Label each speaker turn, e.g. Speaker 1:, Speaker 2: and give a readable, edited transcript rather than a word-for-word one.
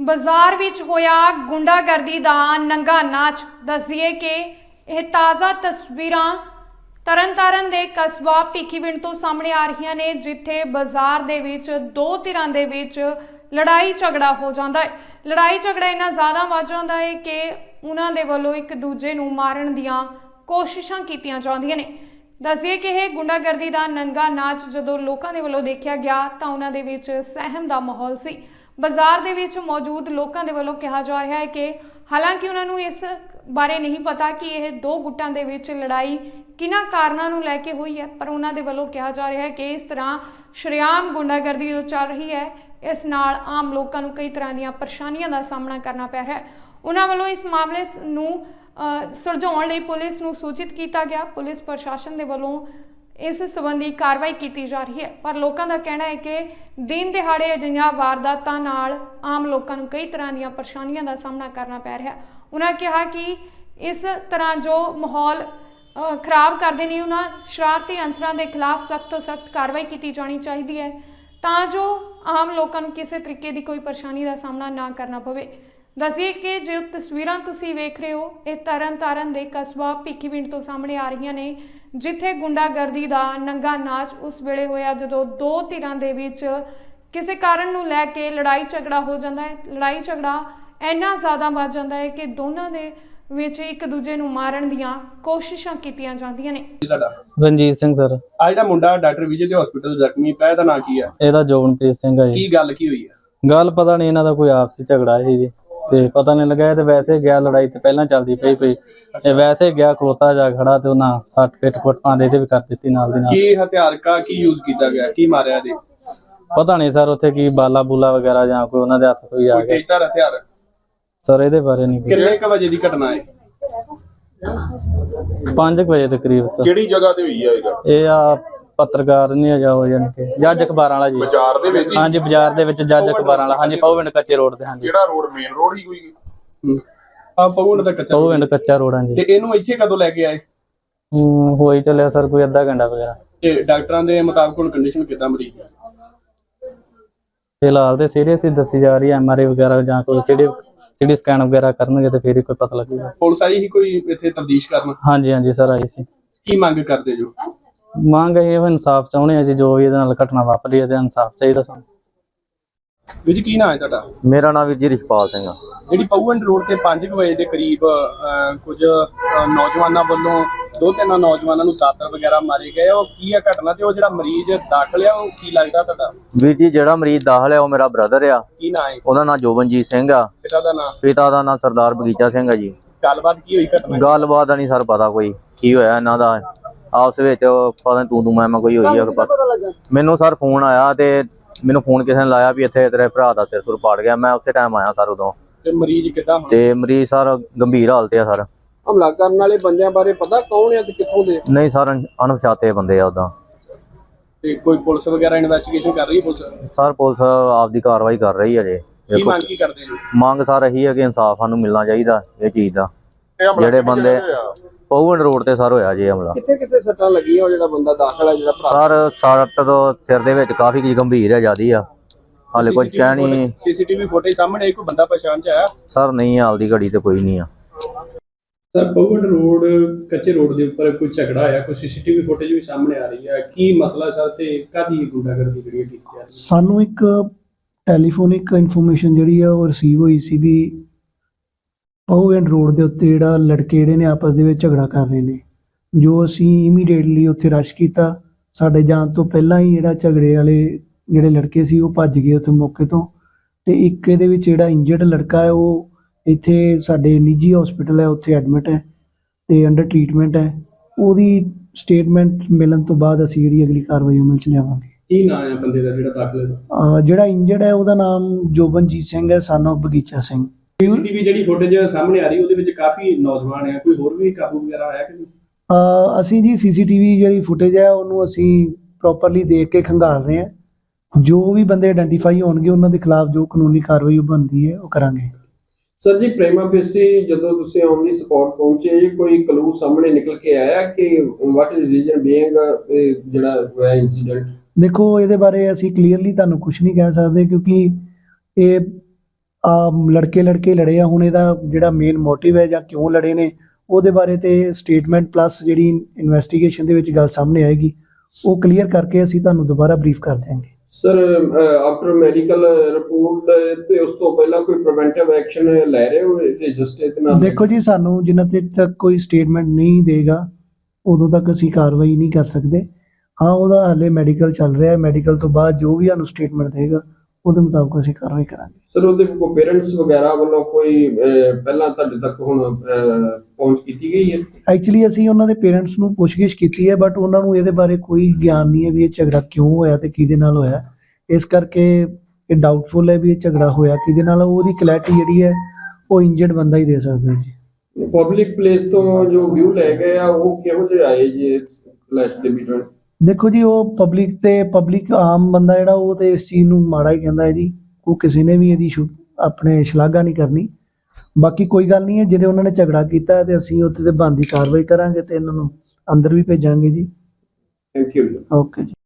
Speaker 1: ਬਾਜ਼ਾਰ ਵਿੱਚ ਹੋਇਆ ਗੁੰਡਾਗਰਦੀ ਦਾ ਨੰਗਾ ਨਾਚ। ਦੱਸ ਦਈਏ ਕਿ ਇਹ ਤਾਜ਼ਾ ਤਸਵੀਰਾਂ ਤਰਨਤਾਰਨ ਦੇ ਕਸਬਾ ਭਿੱਖੀਵਿੰਡ ਤੋਂ ਸਾਹਮਣੇ ਆ ਰਹੀਆਂ ਨੇ, ਜਿੱਥੇ ਬਾਜ਼ਾਰ ਦੇ ਵਿੱਚ ਦੋ ਧਿਰਾਂ ਦੇ ਵਿੱਚ ਲੜਾਈ ਝਗੜਾ ਹੋ ਜਾਂਦਾ ਹੈ। ਲੜਾਈ ਝਗੜਾ ਇੰਨਾ ਜ਼ਿਆਦਾ ਵੱਧ ਜਾਂਦਾ ਹੈ ਕਿ ਉਹਨਾਂ ਦੇ ਵੱਲੋਂ ਇੱਕ ਦੂਜੇ ਨੂੰ ਮਾਰਨ ਦੀਆਂ ਕੋਸ਼ਿਸ਼ਾਂ ਕੀਤੀਆਂ ਜਾਂਦੀਆਂ ਨੇ। ਦੱਸਿए कि यह गुंडागर्दी का नंगा नाच जो लोगों के वालों देखा गया तो उन्होंने विच सहम का माहौल सी। बाजार दे विच मौजूद लोगों के वालों कहा जा रहा है कि हालांकि उन्होंने इस बारे नहीं पता कि यह दो गुटां दे विच लड़ाई किन्हां कारणों नूं लैके हुई है, पर उन्होंने वालों कहा जा रहा है कि इस तरह शरेआम गुंडागर्दी जो चल रही है, इस नाल आम लोगों नूं कई तरह दी परेशानियों का सामना करना पै रहा है। उन्होंने वालों इस मामले नूं सुलझाउण लई पुलिस नूं सूचित किया गया। पुलिस प्रशासन के वालों इस संबंधी कार्रवाई की जा रही है, पर लोगों का कहना है कि दिन दिहाड़े अजिहियां वारदातां नाल आम लोगों को कई तरह दी परेशानियों का सामना करना पै रहा है। उन्होंने कहा कि इस तरह जो माहौल खराब करते हैं, उन्होंने शरारती अंसरां के खिलाफ सख्त तो सख्त कार्रवाई की जानी चाहिए है, तां जो आम लोगों को किसी तरीके की कोई परेशानी का सामना ना करना पवे। दसिए कि जो तस्वीरां तुसीं वेख रहे हो, ये तरनतारन दे कस्बा भिੱਖੀਵਿੰਡ तो सामने आ रही ने, जिथे गुंडागर्दी का नंगा नाच उस वेले होया जदों दो धिरां दे विच किसी कारण नूं लैके लड़ाई झगड़ा हो जाता है। लड़ाई झगड़ा इन्ना ज़्यादा वध जाता है कि दोनों दे विच एक दूजे नूं मारन दीआं कोशिशां कीतीआं जांदियां ने।
Speaker 2: रंजीत सिंह सर।
Speaker 3: आ जिहड़ा मुंडा डॉक्टर विजय दे हॉस्पिटल जख्मी पिਆ ਇਹਦਾ ਨਾਂ ਕੀ ਹੈ?
Speaker 2: ਇਹਦਾ ਜੋਬਨਪ੍ਰੀਤ ਸਿੰਘ ਹੈ ਜੀ।
Speaker 3: ਕੀ ਗੱਲ ਕੀ ਹੋਈ ਹੈ?
Speaker 2: ਗੱਲ ਪਤਾ ਨਹੀਂ, ਇਹਨਾਂ ਦਾ ਕੋਈ ਆਪਸੀ ਝਗੜਾ ਹੈ ਜੀ, ਤੇ ਪਤਾ ਨਹੀਂ ਲੱਗਾ। ਤੇ ਵੈਸੇ ਗਿਆ ਲੜਾਈ ਤੇ ਪਹਿਲਾਂ ਚੱਲਦੀ ਪਈ ਇਹ ਵੈਸੇ ਗਿਆ ਖਲੋਤਾ ਜਾ ਖੜਾ ਤੇ ਉਹਨਾਂ 60 ਪਿੱਟ ਫੁੱਟਾਂ ਦੇ ਵੀ ਕਰ ਦਿੱਤੀ ਨਾਲ ਦੀ ਨਾਲ।
Speaker 3: ਕੀ ਹਥਿਆਰ ਕਾ ਕੀ ਯੂਜ਼ ਕੀਤਾ ਗਿਆ, ਕੀ ਮਾਰਿਆ ਦੇ?
Speaker 2: ਪਤਾ ਨਹੀਂ ਸਰ, ਉੱਥੇ ਕੀ ਬਾਲਾ ਬੂਲਾ ਵਗੈਰਾ ਜਾਂ ਕੋਈ ਉਹਨਾਂ ਦੇ ਹੱਥ ਕੋਈ ਆ ਗਿਆ
Speaker 3: ਕਿਹੜਾ ਹਥਿਆਰ
Speaker 2: ਸਰ, ਇਹਦੇ ਬਾਰੇ ਨਹੀਂ।
Speaker 3: ਕਿੰਨੇ ਕ ਵਜੇ ਦੀ ਘਟਨਾ ਹੈ?
Speaker 2: 5 ਵਜੇ ਦੇ ਕਰੀਬ ਸਰ।
Speaker 4: ਕਿਹੜੀ ਜਗ੍ਹਾ ਤੇ ਹੋਈ ਹੈ
Speaker 2: ਇਹ ਆ ਪੱਤਰਕਾਰ ਨਹੀਂ ਆ ਜਾ ਹੋ ਜਾਣ ਕੇ ਜੱਜ ਅਖਬਾਰਾਂ ਵਾਲਾ ਜੀ।
Speaker 4: ਬਾਜ਼ਾਰ ਦੇ ਵਿੱਚ?
Speaker 2: ਹਾਂਜੀ ਬਾਜ਼ਾਰ ਦੇ ਵਿੱਚ ਜੱਜ ਅਖਬਾਰਾਂ ਵਾਲਾ। ਹਾਂਜੀ ਭਿੱਖੀਵਿੰਡ ਕੱਚੇ ਰੋਡ ਤੇ। ਹਾਂਜੀ
Speaker 4: ਕਿਹੜਾ ਰੋਡ? ਮੇਨ ਰੋਡ ਹੀ ਕੋਈ?
Speaker 3: ਆ ਭਿੱਖੀਵਿੰਡ ਦਾ ਕੱਚਾ?
Speaker 2: ਭਿੱਖੀਵਿੰਡ ਕੱਚਾ ਰੋਡ। ਹਾਂਜੀ।
Speaker 3: ਤੇ ਇਹਨੂੰ ਇੱਥੇ ਕਦੋਂ ਲੈ ਕੇ ਆਏ?
Speaker 2: ਹੋਈ ਚੱਲਿਆ ਸਰ ਕੋਈ ਅੱਧਾ ਘੰਟਾ ਵਗੈਰਾ।
Speaker 3: ਤੇ ਡਾਕਟਰਾਂ ਦੇ ਮੁਤਾਬਕ ਹੁਣ ਕੰਡੀਸ਼ਨ ਕਿਦਾਂ ਮਰੀਜ਼ ਦੀ?
Speaker 2: ਫਿਲਹਾਲ ਤੇ ਸੀਰੀਅਸ ਹੀ ਦੱਸੀ ਜਾ ਰਹੀ ਹੈ। ਐਮਆਰਆਈ ਵਗੈਰਾ ਜਾਂ ਕੋਈ ਸੀਟੀ ਸਕੈਨ ਵਗੈਰਾ ਕਰਨਗੇ ਤੇ ਫਿਰ ਹੀ ਕੋਈ ਪਤਾ ਲੱਗੇਗਾ।
Speaker 3: ਪੁਲਿਸ ਆਈ ਹੀ ਕੋਈ ਇੱਥੇ ਤਫਤੀਸ਼ ਕਰਨ?
Speaker 2: ਹਾਂਜੀ ਹਾਂਜੀ ਸਰ ਆਈ ਸੀ।
Speaker 3: ਕੀ ਮੰਗ ਕਰਦੇ ਜੋ?
Speaker 2: ਮੰਗ ਇਹ ਇਨਸਾਫ ਚਾਹੁੰਦੇ ਆ ਜੀ, ਜੋ ਵੀ ਇਹਦੇ ਨਾਲ ਘਟਨਾ ਵਾਪਰੀ ਹੈ ਤੇ ਇਨਸਾਫ ਚਾਹੀਦਾ ਸਾਨੂੰ।
Speaker 3: ਵੀਰ ਜੀ ਕੀ ਨਾਂ ਹੈ ਤੁਹਾਡਾ?
Speaker 5: ਮੇਰਾ ਨਾਮ ਵੀਰ ਜੀ ਰਿਸ਼ਪਾਲ ਸਿੰਘ ਆ।
Speaker 3: ਜਿਹੜੀ ਭਿੱਖੀਵਿੰਡ ਰੋਡ ਤੇ 5 ਵਜੇ ਦੇ ਕਰੀਬ ਕੁਝ ਨੌਜਵਾਨਾਂ ਵੱਲੋਂ ਦੋ ਤਿੰਨ ਨੌਜਵਾਨਾਂ ਨੂੰ ਦਾਤਰ ਵਗੈਰਾ ਮਾਰੇ ਗਏ, ਉਹ ਕੀ ਆ ਘਟਨਾ? ਤੇ ਉਹ ਜਿਹੜਾ ਮਰੀਜ਼ ਦਾਖਲ ਆ ਉਹ ਕੀ ਲੱਗਦਾ ਤੁਹਾਡਾ?
Speaker 5: ਵੀਰ ਜੀ ਜਿਹੜਾ ਮਰੀਜ਼ ਦਾਖਲ ਆ ਉਹ ਮੇਰਾ ਬ੍ਰਦਰ ਆ।
Speaker 3: ਕੀ ਨਾਂ ਹੈ
Speaker 5: ਉਹਦਾ ਨਾਮ ਜੋਬਨਜੀਤ ਸਿੰਘ ਆ।
Speaker 3: ਪਿਤਾ ਦਾ ਨਾਂ?
Speaker 5: ਪਿਤਾ ਦਾ ਨਾਮ ਸਰਦਾਰ ਬਗੀਚਾ ਸਿੰਘ ਆ ਜੀ।
Speaker 3: ਗੱਲਬਾਤ ਕੀ ਹੋਈ ਘਟਨਾ?
Speaker 5: ਗੱਲਬਾਤ ਦਾ ਨਹੀਂ ਸਰ ਪਤਾ ਕੋਈ ਕੀ ਹੋਇਆ ਇਹਨਾਂ ਦਾ ਆਪਸ ਵਿੱਚ, ਪਤਾ ਨਹੀਂ ਤੂੰ ਮੈਂ ਕੋਈ ਹੋਈ ਆ। ਮੈਨੂੰ ਸਰ ਫੋਨ ਆਇਆ ਤੇ ਮੈਨੂੰ ਫੋਨ ਕਿਸੇ ਨੇ ਲਾਇਆ ਵੀ ਇੱਥੇ ਤੇਰੇ ਭਰਾ ਦਾ ਸਿਰ ਸੁਰ ਪਾੜ ਗਿਆ। ਮੈਂ ਉਸੇ ਟਾਈਮ ਆਇਆ ਸਰ ਉਦੋਂ।
Speaker 3: ਤੇ ਮਰੀਜ਼ ਕਿੱਦਾਂ?
Speaker 5: ਤੇ ਮਰੀਜ਼ ਸਰ ਗੰਭੀਰ ਹਾਲਤ ਆ ਸਰ।
Speaker 6: ਹਮਲਾ ਕਰਨ ਵਾਲੇ ਬੰਦਿਆਂ ਬਾਰੇ ਪਤਾ ਕੌਣ ਹੈ ਤੇ ਕਿੱਥੋਂ ਦੇ?
Speaker 5: ਨਹੀਂ ਸਰ ਅਣਪਛਾਤੇ ਬੰਦੇ ਆ ਉਦਾਂ।
Speaker 3: ਤੇ ਕੋਈ ਪੁਲਿਸ ਵਗੈਰਾ ਇਨਵੈਸਟੀਗੇਸ਼ਨ ਕਰ ਰਹੀ ਹੈ? ਪੁਲਿਸ
Speaker 5: ਸਰ ਪੁਲਿਸ ਆਪਦੀ ਕਾਰਵਾਈ ਕਰ ਰਹੀ ਹੈ ਜੀ।
Speaker 3: ਕੀ ਮੰਗ ਕੀ ਕਰਦੇ ਜੋ?
Speaker 5: ਮੰਗ ਸਰ ਇਹੀ ਹੈ ਕਿ ਇਨਸਾਫ ਸਾਨੂੰ ਮਿਲਣਾ ਚਾਹੀਦਾ ਇਹ ਚੀਜ਼ ਦਾ। ਜਿਹੜੇ ਬੰਦੇ ਭਿੱਖੀਵਿੰਡ ਰੋਡ ਤੇ ਸਰ ਹੋਇਆ ਜੀ ਹਮਲਾ।
Speaker 6: ਕਿੱਥੇ ਕਿੱਥੇ ਸੱਟਾਂ ਲੱਗੀਆਂ? ਉਹ ਜਿਹੜਾ ਬੰਦਾ ਦਾਖਲ ਹੈ, ਜਿਹੜਾ ਭਰਾ?
Speaker 5: ਸਰ ਸੱਟ ਤੋਂ ਸਿਰ ਦੇ ਵਿੱਚ ਕਾਫੀ ਗੰਭੀਰ ਹੈ ਜਿਆਦੀ ਆ। ਹਾਲੇ ਕੁਝ ਕਹਿ ਨਹੀਂ।
Speaker 3: ਸੀਸੀਟੀਵੀ ਫੁਟੇਜ ਸਾਹਮਣੇ ਕੋਈ ਬੰਦਾ ਪਛਾਣ ਚ ਆਇਆ?
Speaker 5: ਸਰ ਨਹੀਂ, ਹਾਲ ਦੀ ਘੜੀ ਤੇ ਕੋਈ ਨਹੀਂ ਆ।
Speaker 3: ਸਰ ਭਿੱਖੀਵਿੰਡ ਰੋਡ ਕੱਚੇ ਰੋਡ ਦੇ ਉੱਪਰ ਕੋਈ ਝਗੜਾ ਆਇਆ, ਕੋਈ ਸੀਸੀਟੀਵੀ ਫੁਟੇਜ ਵੀ ਸਾਹਮਣੇ ਆ ਰਹੀ ਹੈ, ਕੀ ਮਸਲਾ ਸਰ ਤੇ ਕਾਹਦੀ ਗੁੰਡਾਗਰਦੀ ਜਿਹੜੀ ਕੀਤੀ ਜਾ ਰਹੀ ਹੈ?
Speaker 7: ਸਾਨੂੰ ਇੱਕ ਟੈਲੀਫੋਨਿਕ ਇਨਫੋਰਮੇਸ਼ਨ ਜਿਹੜੀ ਆ ਉਹ ਰਿਸੀਵ ਹੋਈ ਸੀ ਵੀ ਭਿੱਖੀਵਿੰਡ ਰੋਡ ਦੇ ਉੱਤੇ ਜਿਹੜਾ ਲੜਕੇ ਜਿਹੜੇ ਨੇ ਆਪਸ ਦੇ ਵਿੱਚ ਝਗੜਾ ਕਰ ਰਹੇ ਨੇ। ਜੋ ਅਸੀਂ ਇਮੀਡੀਏਟਲੀ ਉੱਥੇ ਰਸ਼ ਕੀਤਾ। ਸਾਡੇ ਜਾਣ ਤੋਂ ਪਹਿਲਾਂ ਹੀ ਜਿਹੜਾ ਝਗੜੇ ਵਾਲੇ ਜਿਹੜੇ ਲੜਕੇ ਸੀ ਉਹ ਭੱਜ ਗਏ ਉੱਥੇ ਮੌਕੇ ਤੋਂ। ਤੇ ਇੱਕ ਇਹਦੇ ਵਿੱਚ ਜਿਹੜਾ ਇੰਜਰਡ ਲੜਕਾ ਹੈ ਉਹ ਇੱਥੇ ਸਾਡੇ ਨਿੱਜੀ ਹਸਪੀਟਲ ਹੈ ਉੱਥੇ ਐਡਮਿਟ ਹੈ ਤੇ ਅੰਡਰ ਟ੍ਰੀਟਮੈਂਟ ਹੈ। ਉਹਦੀ ਸਟੇਟਮੈਂਟ ਮਿਲਣ ਤੋਂ ਬਾਅਦ ਅਸੀਂ ਜਿਹੜੀ ਅਗਲੀ ਕਾਰਵਾਈ ਅਮਲ ਚ ਲਿਆਵਾਂਗੇ।
Speaker 3: ਕੀ ਨਾਮ ਹੈ ਬੰਦੇ ਦਾ ਜਿਹੜਾ ਦਾਖਲ ਹੈ?
Speaker 7: ਜਿਹੜਾ ਇੰਜਰਡ ਹੈ ਉਹਦਾ ਨਾਮ ਜੋਬਨਜੀਤ ਸਿੰਘ ਹੈ, ਸਨ ਆਫ ਬਗੀਚਾ ਸਿੰਘ।
Speaker 3: ਸੀਸੀਟੀਵੀ ਜਿਹੜੀ ਫੁਟੇਜ ਸਾਹਮਣੇ ਆ ਰਹੀ ਉਹਦੇ ਵਿੱਚ ਕਾਫੀ ਨੌਜਵਾਨ ਹੈ, ਕੋਈ ਹੋਰ ਵੀ ਕਾਬੂ ਵਗੈਰਾ ਆਇਆ ਕਿ ਨਹੀਂ?
Speaker 7: ਅਸੀਂ ਜੀ ਸੀਸੀਟੀਵੀ ਜਿਹੜੀ ਫੁਟੇਜ ਹੈ ਉਹਨੂੰ ਅਸੀਂ ਪ੍ਰੋਪਰਲੀ ਦੇਖ ਕੇ ਖੰਗਾਲ ਰਹੇ ਹਾਂ। ਜੋ ਵੀ ਬੰਦੇ ਆਇਡੈਂਟੀਫਾਈ ਹੋਣਗੇ ਉਹਨਾਂ ਦੇ ਖਿਲਾਫ ਜੋ ਕਾਨੂੰਨੀ ਕਾਰਵਾਈ ਬਣਦੀ ਹੈ ਉਹ ਕਰਾਂਗੇ।
Speaker 6: ਸਰ ਜੀ ਪ੍ਰੇਮਾ ਫੇਸੀ ਜਦੋਂ ਤੁਸੀਂ ਆਨ ਦੀ ਸਪੌਟ ਪਹੁੰਚੇ, ਕੋਈ ਕਲੂ ਸਾਹਮਣੇ ਨਿਕਲ ਕੇ ਆਇਆ ਕਿ ਵਾਟ ਇਜ਼ ਰੀਜ਼ਨ ਬੀਇੰਗ ਜਿਹੜਾ ਹੋਇਆ ਇਨਸੀਡੈਂਟ?
Speaker 7: ਦੇਖੋ ਇਹਦੇ ਬਾਰੇ ਅਸੀਂ ਕਲੀਅਰਲੀ ਤੁਹਾਨੂੰ ਕੁਝ ਨਹੀਂ ਕਹਿ ਸਕਦੇ, ਕਿਉਂਕਿ ਇਹ ਲੜਕੇ ਲੜੇ ਆ। ਹੁਣ ਇਹਦਾ ਜਿਹੜਾ ਮੇਨ ਮੋਟਿਵ ਹੈ ਜਾਂ ਕਿਉਂ ਲੜੇ ਨੇ ਉਹਦੇ ਬਾਰੇ ਤੇ ਸਟੇਟਮੈਂਟ ਪਲੱਸ ਜਿਹੜੀ ਇਨਵੈਸਟੀਗੇਸ਼ਨ ਦੇ ਵਿੱਚ ਗੱਲ ਸਾਹਮਣੇ ਆਏਗੀ, ਉਹ ਕਲੀਅਰ ਕਰਕੇ ਅਸੀਂ ਤੁਹਾਨੂੰ ਦੁਬਾਰਾ ਬਰੀਫ ਕਰ ਦਿਆਂਗੇ।
Speaker 6: ਸਰ ਆਫਟਰ ਮੈਡੀਕਲ ਰਿਪੋਰਟ ਤੇ ਉਸ ਤੋਂ ਪਹਿਲਾਂ ਕੋਈ ਪ੍ਰੀਵੈਂਟਿਵ ਐਕਸ਼ਨ ਲੈ ਰਹੇ ਹੋ ਰਜਿਸਟਰ ਨਾਲ?
Speaker 7: ਦੇਖੋ ਜੀ, ਸਾਨੂੰ ਜਿੰਨਾ ਚਿਰ ਤੱਕ ਕੋਈ ਸਟੇਟਮੈਂਟ ਨਹੀਂ ਦੇਗਾ ਉਦੋਂ ਤੱਕ ਅਸੀਂ ਕਾਰਵਾਈ ਨਹੀਂ ਕਰ ਸਕਦੇ। ਹਾਂ, ਉਹਦਾ ਹਾਲੇ ਮੈਡੀਕਲ ਚੱਲ ਰਿਹਾ ਹੈ, ਮੈਡੀਕਲ ਤੋਂ ਬਾਅਦ ਜੋ ਵੀ ਸਾਨੂੰ ਸਟੇਟਮੈਂਟ ਦੇਗਾ ਉਹਦੇ ਮੁਤਾਬਕ ਅਸੀਂ ਕਾਰਵਾਈ ਕਰਾਂਗੇ।
Speaker 6: ਸਰ ਉਹਦੇ ਕੋਈ ਪੇਰੈਂਟਸ ਵਗੈਰਾ ਵੱਲੋਂ ਕੋਈ ਪਹਿਲਾਂ ਤੁਹਾਡੇ ਤੱਕ ਹੁਣ ਪਹੁੰਚ ਕੀਤੀ ਗਈ ਹੈ?
Speaker 7: ਐਕਚੁਅਲੀ ਅਸੀਂ ਉਹਨਾਂ ਦੇ ਪੇਰੈਂਟਸ ਨੂੰ ਪੁੱਛਗਿੱਛ ਕੀਤੀ ਹੈ, ਬਟ ਉਹਨਾਂ ਨੂੰ ਇਹਦੇ ਬਾਰੇ ਕੋਈ ਗਿਆਨ ਨਹੀਂ ਹੈ ਵੀ ਇਹ ਝਗੜਾ ਕਿਉਂ ਹੋਇਆ ਤੇ ਕਿਹਦੇ ਨਾਲ ਹੋਇਆ। ਇਸ ਕਰਕੇ ਇਹ ਡਾਊਟਫੁਲ ਹੈ ਵੀ ਇਹ ਝਗੜਾ ਹੋਇਆ ਕਿਹਦੇ ਨਾਲ। ਉਹਦੀ ਕਲੈਰਿਟੀ ਜਿਹੜੀ ਹੈ ਉਹ ਇੰਜਰਡ ਬੰਦਾ ਹੀ ਦੇ ਸਕਦਾ ਜੀ।
Speaker 6: ਪਬਲਿਕ ਪਲੇਸ ਤੋਂ ਜੋ ਵਿਊ ਲੈ ਗਏ ਆ ਉਹ ਕਿਹੋ ਜਿਹੇ ਆਏ ਜੀ ਕਲੈਸ਼ ਦੇ ਵਿੱਚ?
Speaker 7: ਦੇਖੋ ਜੀ, ਉਹ ਪਬਲਿਕ ਆਮ ਬੰਦਾ ਜਿਹੜਾ ਉਹ ਤੇ ਇਸ ਚੀਜ਼ ਨੂੰ ਮਾੜਾ ਹੀ ਕਹਿੰਦਾ ਹੈ ਜੀ। ਉਹ ਕਿਸੇ ਨੇ ਵੀ ਇਹਦੀ ਆਪਣੇ ਸ਼ਲਾਘਾ ਨਹੀਂ ਕਰਨੀ। ਬਾਕੀ ਕੋਈ ਗੱਲ ਨਹੀਂ ਹੈ, ਜਿਹੜੇ ਉਹਨਾਂ ਨੇ ਝਗੜਾ ਕੀਤਾ ਹੈ ਤੇ ਅਸੀਂ ਉੱਥੇ ਤੇ ਬਣਦੀ ਕਾਰਵਾਈ ਕਰਾਂਗੇ ਤੇ ਇਹਨਾਂ ਨੂੰ ਅੰਦਰ ਵੀ ਭੇਜਾਂਗੇ ਜੀ।
Speaker 6: Thank you.
Speaker 7: ਓਕੇ ਜੀ।